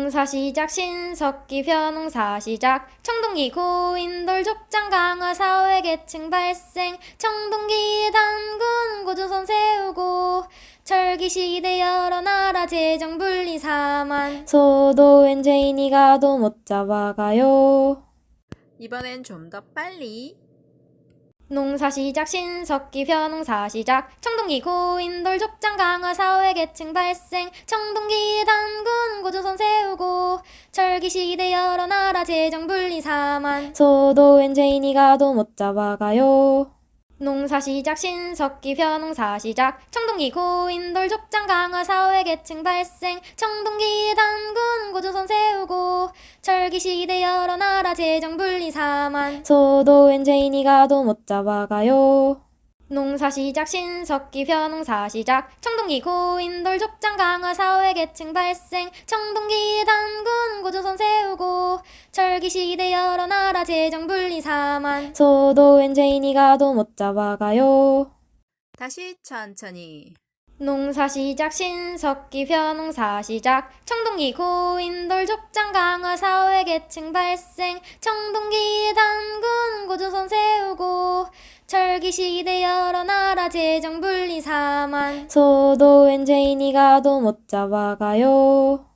농사 시작 신석기 벼농사 시작 청동기 고인돌 족장 강화 사회계층 발생 청동기 단군 고조선 세우고 철기시대 여러 나라 재정 분리 사만 소도엔 죄인이 가도 못 잡아가요. 이번엔 좀 더 빨리. 농사 시작 신석기 벼농사 시작 청동기 고인돌 족장 강화 사회계층 발생 청동기 단군 고조선 세우고 철기시대 여러 나라 재정 분리 사만 소도엔 죄인이 가도 못 잡아가요. 농사 시작 신석기 벼농사 시작 청동기 고인돌 족장 강화 사회계층 발생 청동기 단군 고조선 세우고 철기시대 여러 나라 재정 분리 사만 소도엔 죄인이 가도 못 잡아가요. 농사 시작 신석기 벼농사 시작 청동기 고인돌 족장 강화 사회계층 발생 청동기 단군 고조선 세우고 철기시대 여러 나라 재정 분리 사만 소도엔 죄인이 가도 못 잡아가요. 다시 천천히. 농사 시작 신석기 벼농사 시작 청동기 고인돌 족장 강화 사회계층 발생 청동기 단군 고조선 세우고 철기시대 여러 나라 재정 분리 사만 소도엔 죄인이 가도 못 잡아가요.